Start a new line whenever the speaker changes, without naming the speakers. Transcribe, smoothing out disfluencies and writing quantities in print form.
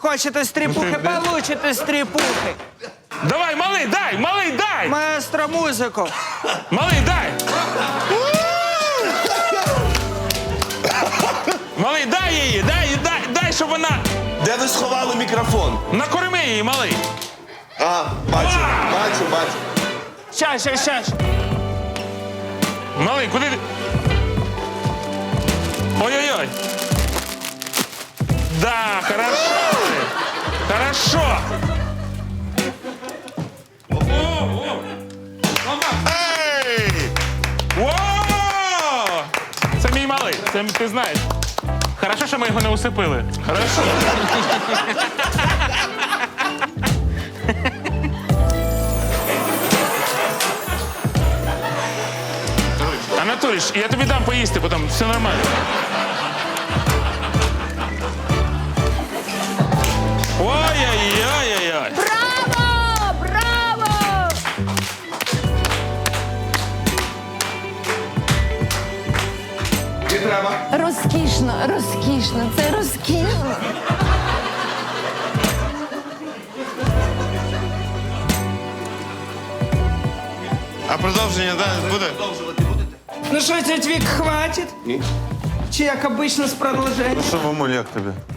Хочете стріпухи, получите стріпухи.
Давай, малий, дай!
Маестро, музику.
Малий, дай! Малий, дай її, дай, щоб вона...
Де ви сховали мікрофон?
Накорми її, малий.
А, бачу.
Щас.
Малий, куди ти? Ой-ой-ой. Да, хорошо. Хорошо. Ей! Во! Це мій малий, це ти знаєш. Хорошо, що ми його не усипили. Хорошо. Анатолійович, я тобі дам поїсти, потім все нормально. Ой-ой-ой-ой-ой.
Браво! Браво!
Не треба.
Розкішно, це розкішно.
А продовження буде?
Ну що, тетя Вік, хватить?
Ні.
Чи як обично з продовженням?
Що, мамуль, як тобі?